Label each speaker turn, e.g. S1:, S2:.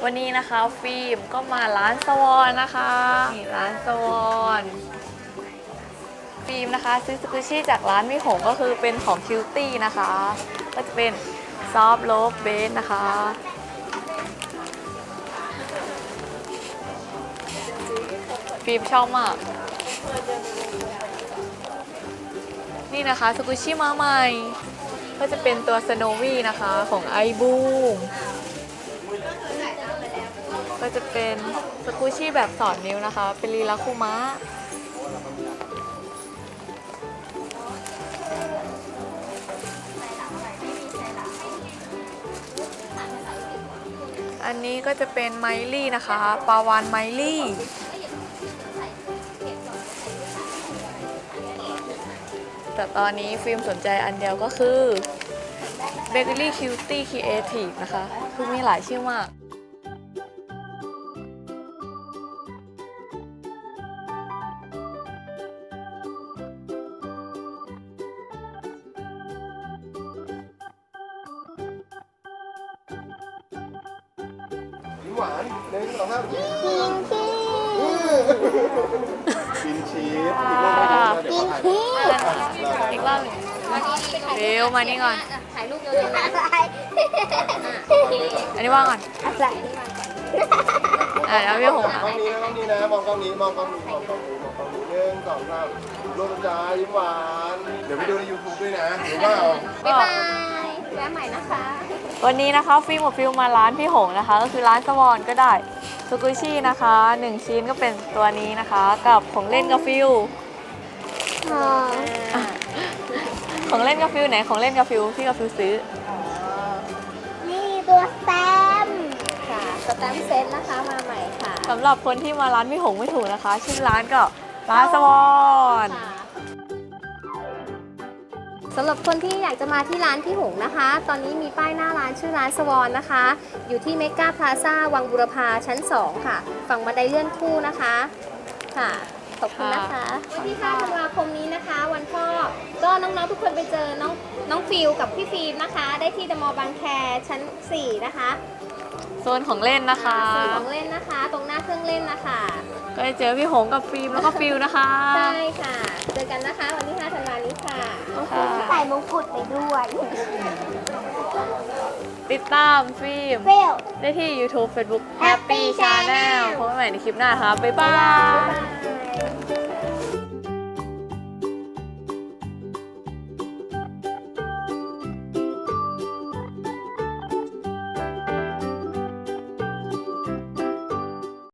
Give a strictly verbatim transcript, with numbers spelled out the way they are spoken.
S1: วันนี้นะคะฟิล์มก็มาร้านสวอนนะคะนี่ร้านสวอนฟิล์มนะคะซื้อสกูชี่จากร้านมิหงก็คือเป็นของคิวตี้นะคะก็จะเป็นซอฟต์โลฟเบสนะคะฟิล์มชอบมากนี่นะคะสกูชี่มาใหม่ก็จะเป็นตัวสโนวี่นะคะของไอบูมก็จะเป็นสกูชี่แบบสอดนิ้วนะคะเป็นลีลาคุมะอันนี้ก็จะเป็นไมลี่นะคะปาวานไมลี่แต่ตอนนี้ฟิล์มสนใจอันเดียวก็คือ Bakery Cutie Creative นะคะคือมีหลายชื่อมาก
S2: ยิ้มหวานหนึ่งสองสามยิ้มกินชีสอีกรอบนึงเดี๋ยวถ่าย
S1: อีกรอบหนึ่งเร็วมานี่ก่อน
S3: ถ่ายรูปเร็วๆนะ
S1: อันนี้ว่างก่อน
S3: อะไร
S1: อ่ะแล้วพี่หง
S2: กล้องนี้นะกล้องนี้นะมองกล้องนี้มองกล้องนี้มองกล้องนี้มองกล้องนี้หนึ่งสองสามรูปจ้ายิ้มหวานเดี๋ยวไปดูใน ยูทูบ ด้วยนะหรือว่าเอา
S3: บ๊ายบายแวะใหม่นะคะ
S1: วันนี้นะคะฟิล์มกับฟิลมาร้านพี่หงนะคะก็คือร้านสวอนก็ได้สกุชี่นะคะหนึ่งชิ้นก็เป็นตัวนี้นะคะกับของเล่นกับฟิลของเล่นกับฟิลไหนของเล่นกับฟิลพี่กับฟิลซื้อ
S3: นี่ตัวสแตมป์ค่ะสแตมป์เซตนะคะมาใหม่ค่ะ
S1: สำหรับคนที่มาร้านพี่หงไม่ถูกนะคะชื่อร้านก็ร้านสวอน
S3: ค่ะสำหรับคนที่อยากจะมาที่ร้านพี่หงนะคะ ตอนนี้มีป้ายหน้าร้านชื่อร้านสวอนนะคะ อยู่ที่เมกาพลาซ่าวังบุรพาชั้นสองค่ะ ฝั่งบันไดเลื่อนคู่นะคะค่ะขอบคุณนะคะวันที่ห้าธันวาคมนี้นะคะ วันพ่อก็น้องๆทุกคนไปเจอน้องน้องฟิลกับพี่ฟิล์มนะคะ ได้ที่เดอะมอลล์บางแคชั้นสี่นะคะ
S1: โซนของเล่นนะคะ
S3: ส่วนของเล่นนะคะ ตรงหน้าเครื่องเล่นนะคะ
S1: ก็จะเจอพี่หงกับฟิล์มแล้วก็ฟิลนะคะ
S3: ใช่ค่ะ เจอกันนะคะวันที่ห้าธันวาคมนี้ค่ะ
S1: ค่ะ
S3: ใส่มงกุฎไปด้วย
S1: ติดตามฟิล์ม
S3: เฟล
S1: ได้ที่ ยูทูบ เฟซบุ๊ก
S3: Happy
S1: Happy Channel
S3: Channel
S1: พบกันใหม่ในคลิปหน้าค่ะบ๊ายบาย
S3: บ๊ายบาย